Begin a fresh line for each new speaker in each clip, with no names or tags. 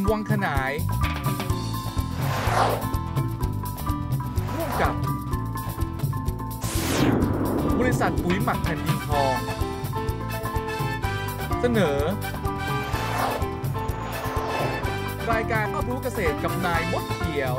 วังขนายร่วมกับบริษัทปุ๋ยหมักแผ่นดินทองเสนอรายการรอบรู้เกษตรกับนายมดเขียว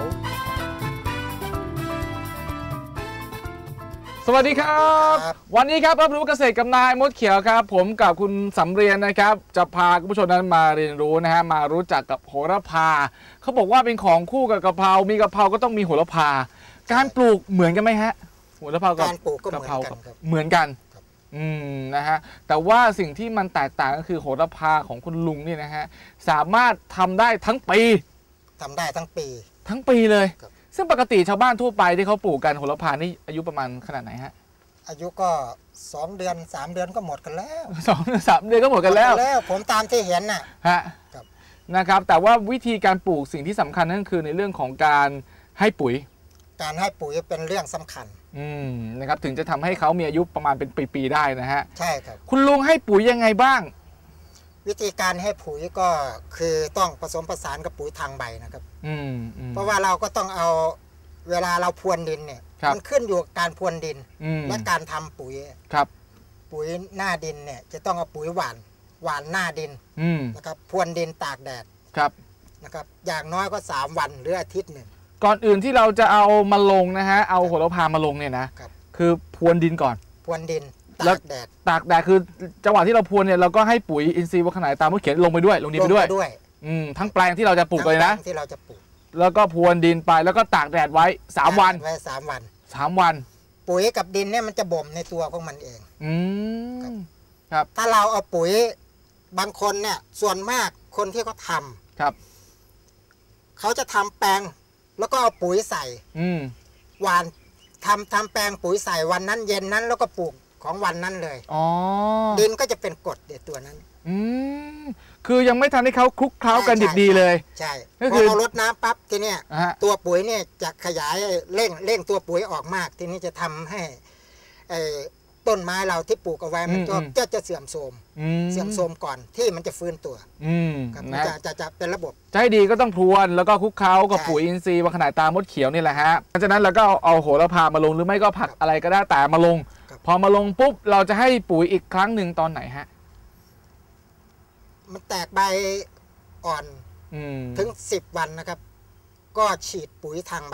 สวัสดีครับวันนี้ครับรับรู้เกษตรกับนายมดเขียวครับผมกับคุณสำเรียนนะครับจะพาคุณผู้ชมนั้นมาเรียนรู้นะฮะมารู้จักกับโหระพาเขาบอกว่าเป็นของคู่กับกะเพรามีกะเพราก็ต้องมีโหระพาการปลูกเหมือนกันไหมฮะโหระพากับกะเพราเหมือนกันนะฮะแต่ว่าสิ่งที่มันแตกต่างก็คือโหระพาของคุณลุงนี่นะฮะสามารถทำได้ทั้งปีทั้งปีเลยซึ่งปกติชาวบ้านทั่วไปที่เขาปลูกกันโหระพานี่อายุประมาณขนาดไหนฮะ
อายุก็2 เดือน 3 เดือนก็หมดกันแล้ว
2-3 เดือนก็หมดกันแล้ว
ผมตามที่เห็น
ฮะนะครับแต่ว่าวิธีการปลูกสิ่งที่สำคัญนั่นคือในเรื่องของการให้ปุ๋ย
เป็นเรื่องสำคัญ
นะครับถึงจะทำให้เขามีอายุประมาณเป็นปีๆได้นะฮะ
ใช่ครับ
คุณลุงให้ปุ๋ยยังไงบ้าง
วิธีการให้ปุ๋ยก็คือต้องผสมผสานกับปุ๋ยทางใบนะครับเพราะว่าเราก็ต้องเอาเวลาเราพรวนดินเนี่ยมันขึ้นอยู่กับการพรวนดินและการทำปุ๋ยปุ๋ยหน้าดินเนี่ยจะต้องเอาปุ๋ยหวานหน้าดินนะครับพรวนดินตากแดดนะครับอย่างน้อยก็3 วันหรืออาทิตย์หนึ่ง
ก่อนอื่นที่เราจะเอามาลงนะฮะเอาโหระพามาลงเนี่ยนะคือพรวนดินก่อน
พรวนดินตากแดด
คือจังหวะที่เราพรวนเนี่ยเราก็ให้ปุ๋ยอินทรีย์วัวขนายตามที่เขียนลงไปด้วยลงดินไปด้วยทั้งแปลงที่เราจะปลูกเลยนะ
ที่เราจะปลูก
แล้วก็พรวนดินไปแล้วก็ตากแดดไว้3 วัน3 วัน
ปุ๋ยกับดินเนี่ยมันจะบ่มในตัวของมันเอง
ครับ
ถ้าเราเอาปุ๋ยบางคนเนี่ยส่วนมากคนที่เขาทำเขาจะทำแปลงแล้วก็เอาปุ๋ยใส่หวานทำแปลงปุ๋ยใส่วันนั้นเย็นนั้นแล้วก็ปลูกของวันนั้นเลยดินก็จะเป็นกรดเด็ดตัวนั้น
คือยังไม่ทันให้เขาคลุกเคล้ากันดิบดีเลย
ใช่พอเราลดน้ำปั๊บทีเนี้ยตัวปุ๋ยเนี่ยจะขยายเร่งตัวปุ๋ยออกมากทีนี้จะทำให้ต้นไม้เราที่ปลูกเอาไว้มันจะเสื่อมโทรมก่อนที่มันจะฟื้นตัวจะเป็นระบบ
ใจดีก็ต้องพรวนแล้วก็คลุกเคล้ากับปุ๋ยอินทรีย์วัวขนายตามดเขียวนี่แหละฮะหลังจากนั้นเราก็เอาโหระพามาลงหรือไม่ก็ผักอะไรก็ได้แต่มาลงพอมาลงปุ๊บเราจะให้ปุ๋ยอีกครั้งหนึ่งตอนไหนฮะ
มันแตกใบอ่อนถึง10 วันนะครับก็ฉีดปุ๋ยทางใบ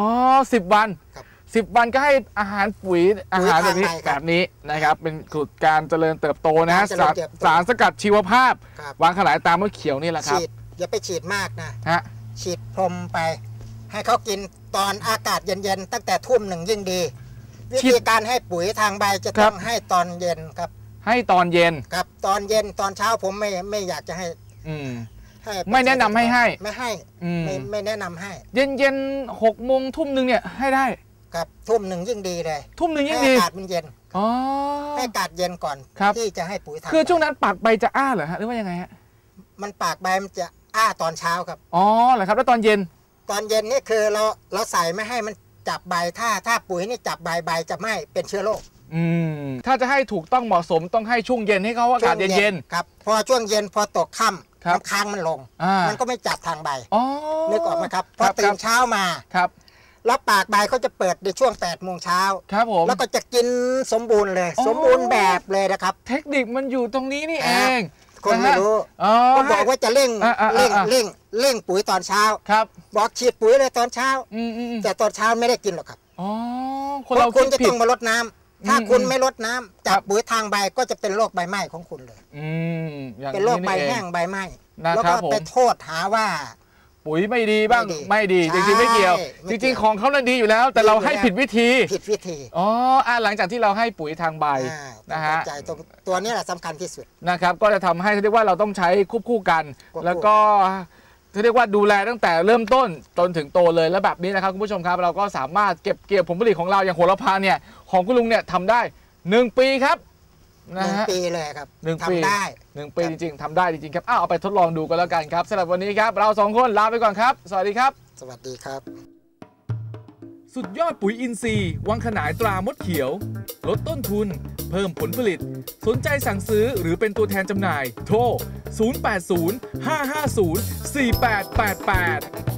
10 วัน10 วันก็ให้อาหารปุ๋ยอาหารแบบนี้นะครับเป็นสูตรการเจริญเติบโตนะฮะสารสกัดชีวภาพวางขนายตามมดเขียวนี่แหละครับ
อย่าไปฉีดมากนะฉีดพรมไปให้เขากินตอนอากาศเย็นๆตั้งแต่ทุ่ม 1ยิ่งดีวิธีการให้ปุ๋ยทางใบจะต้องให้ตอนเย็นครับ
ให้ตอนเย็น
ครับตอนเย็นตอนเช้าผมไม่อยากจะให้
ไม่แนะนำให้
ไม่แนะนำให้
เย็น6 โมงทุ่ม 1เนี่ยให้ได้
ครับทุ่ม 1ยิ่งดีเลย
ทุ่ม 1ยิ่งดี
อากาศมันเย็นให้อากาศเย็นก่อนที่จะให้ปุ๋ยทาง
คือช่วงนั้นปากใบจะอ้าเหรอฮะหรือว่ายังไงฮะ
มันปากใบมันจะอ้าตอนเช้าครับ
เหรอครับแล้วตอนเย็น
นี่คือเราใส่ไม่ให้มันจับใบถ้าปุ๋ยนี่จับใบจะไม่เป็นเชื้อโรค
ถ้าจะให้ถูกต้องเหมาะสมต้องให้ช่วงเย็นให้เขาอากาศเย็น
ครับพอช่วงเย็นพอตกค่ำน้ำค้างมันลงมันก็ไม่จับทางใบนึกออกไหมครับพอตื่นเช้ามาแล้วปากใบเขาจะเปิดในช่วง8 โมงเช้าแล้วก็จะกินสมบูรณ์เลยสมบูรณ์แบบเลยนะครับ
เทคนิคมันอยู่ตรงนี้นี่เอง
คนไม่รู้ก็บอกว่าจะเร่งปุ๋ยตอนเช้าบอกฉีดปุ๋ยเลยตอนเช้าแต่ตอนเช้าไม่ได้กินหรอกครับเพราะคุณจะต้องมาลดน้ำถ้าคุณไม่ลดน้ำจับปุ๋ยทางใบก็จะเป็นโรคใบไหม้ของคุณเลยเป็นโรคใบแห้งใบไหม้แล้วก็ไปโทษหาว่า
ปุ๋ยไม่ดีบ้างไม่ดีจริงๆไม่เกี่ยวจริงๆของเขาดีอยู่แล้วแต่เราให้ผิดวิธีหลังจากที่เราให้ปุ๋ยทางใบนะฮะ
ตัวนี้แหละสำคัญที่สุด
นะครับก็จะทำให้เรียกว่าเราต้องใช้ควบคู่กันแล้วก็เรียกว่าดูแลตั้งแต่เริ่มต้นจนถึงโตเลยแล้วแบบนี้นะครับคุณผู้ชมครับเราก็สามารถเก็บเกี่ยวผลผลิตของเราอย่างโหระพาเนี่ยของคุณลุงเนี่ยทำได้1 ปีครับ
1 ปีเลยครับ
1 ปี1 ปีจริงๆทำได้จริงๆครับเอาไปทดลองดูกันแล้วกันครับสำหรับวันนี้ครับเรา2 คนลาไปก่อนครับสวัสดีครับ
สวัสดีครับ
สุดยอดปุ๋ยอินทรีย์วังขนายตรามดเขียวลดต้นทุนเพิ่มผลผลิตสนใจสั่งซื้อหรือเป็นตัวแทนจำหน่ายโทร 080 550 4888